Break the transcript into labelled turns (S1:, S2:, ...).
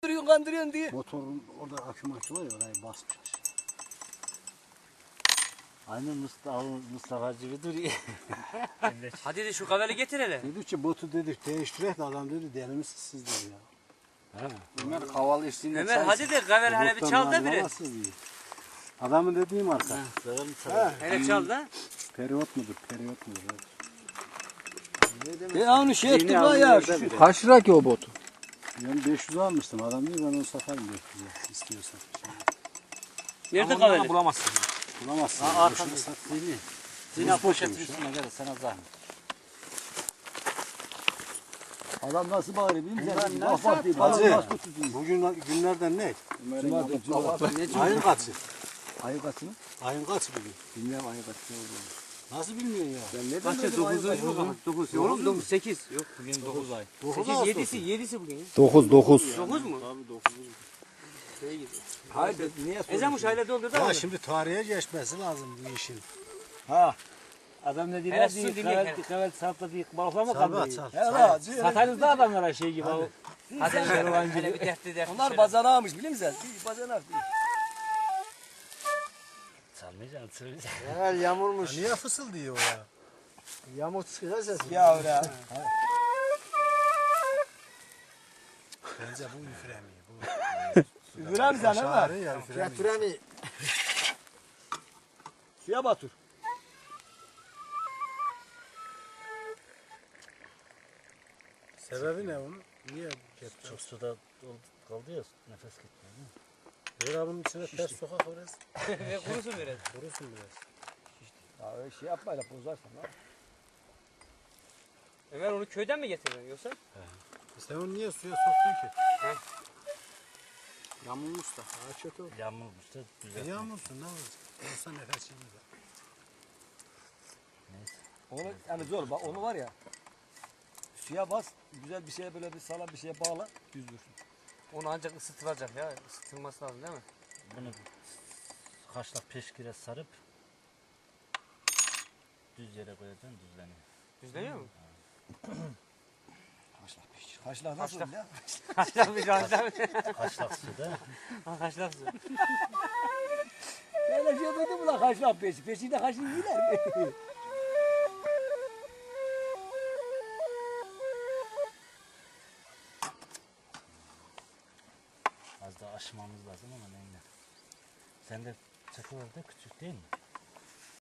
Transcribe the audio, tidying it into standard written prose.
S1: Kandırıyorsun diye.
S2: Motorun orada akü makü var ya, orayı basmış aşağı.
S3: Aynı Mustafa gibi duruyor.
S1: Hadi de şu kaveli getir hele.
S2: Dedi ki botu dedik değiştirek de adam dedi deli misiniz siz dedi ya.
S4: Ömer havalı içtiğinde
S1: Ömer hadi de kaveli hele bir çal da biri.
S2: Adamın dediği marka.
S1: Hele çal da.
S2: Periyot mudur? Periyot mudur?
S4: onu şey ettim lan ya. Kaç lira ki o botu?
S2: Yani 500 almıştım. Adam diyor ben onu satarım 500'e istiyorsan.
S1: Nerede kaveli?
S3: Bulamazsın.
S2: Bulamazsın.
S3: Arkada
S2: sat.
S3: Zina poşetin üstüne gel sana zahmet.
S4: Adam nasıl bağırıyor bilmiyor musun?
S2: Bak bak diye. Hacı bugün günlerden ne? Ayın kaçı?
S4: Ayı kaçı mı?
S2: Ayın kaçı bugün?
S4: Bilmiyorum ayı kaçı olduğunu.
S2: Nasıl bilmiyorsun ya?
S4: Ben ne
S1: Kaçı? 9. Oğlum 9 8. Yok bugün 9 ay. 8 7'si bugün.
S4: 9.
S1: 9 mu?
S2: Tabii 9.
S4: Hayır niye
S1: Ezan uşağıyla doldur da.
S2: Ya şimdi tarihe geçmesi lazım bu işin.
S4: Ha. Adam ne diyor?
S1: Hele su dinle.
S3: Kavel sapla değil balıkla mı
S2: Sarba
S3: kandırıyor?
S2: çal.
S4: Hele
S3: Satarız da adamlara şey gibi.
S1: Hadi hele bir dertli.
S4: onlar bazanağımış biliyor musun? Bir bazanak değil.
S3: Sanmayacaksın sırrı.
S4: Ya yağmurmuş.
S2: Niye fısıldıyor o ya?
S4: Yağmur çıkıyor ses. Ya öyle.
S2: Bence bu üfremi.
S4: Üfürem sen ama.
S2: Şahane ya üfremi.
S4: Getiremi. Suya batır.
S2: Sebebi ne onun? Niye getiriyor?
S3: Çok suda kaldı ya nefes gitmiyor.
S2: Ver bunun içine ters sokak biraz.
S1: Kurusun biraz.
S2: Kurusun biraz.
S4: Ya öyle şey yapma öyle bozarsan ha.
S1: Ömer onu köyden mi getirdin yoksa?
S2: Sen onu niye suya soktun ki?
S4: Yağmurmuş da.
S2: Ha kötü oldu.
S3: Yağmurmuş da güzel.
S2: Yağmursun ne olacak? Olsa nefes yemez.
S4: Onu yani zor bak onu var ya. Suya bas güzel bir şeye böyle bir sağlam bir şeye bağla düz dursun.
S1: Onu ancak ısıtılacak ya. Isıtılması lazım değil mi?
S3: Bunu kaşlak peşkire sarıp düz yere koyacaksın düzleniyor.
S1: Düzleniyor mu?
S4: Haşla nasıl
S1: Haşla.
S4: ya?
S1: Kaçlak bir kaçlak.
S3: Kaşlak suda.
S1: Kaçlak su.
S4: Öyle şey duydun mu lan haşla peşi? Peşinde haşlı yiyorlar mı?
S3: Az daha aşmamız lazım ama neyle. Sen de çakı var da küçük değil mi?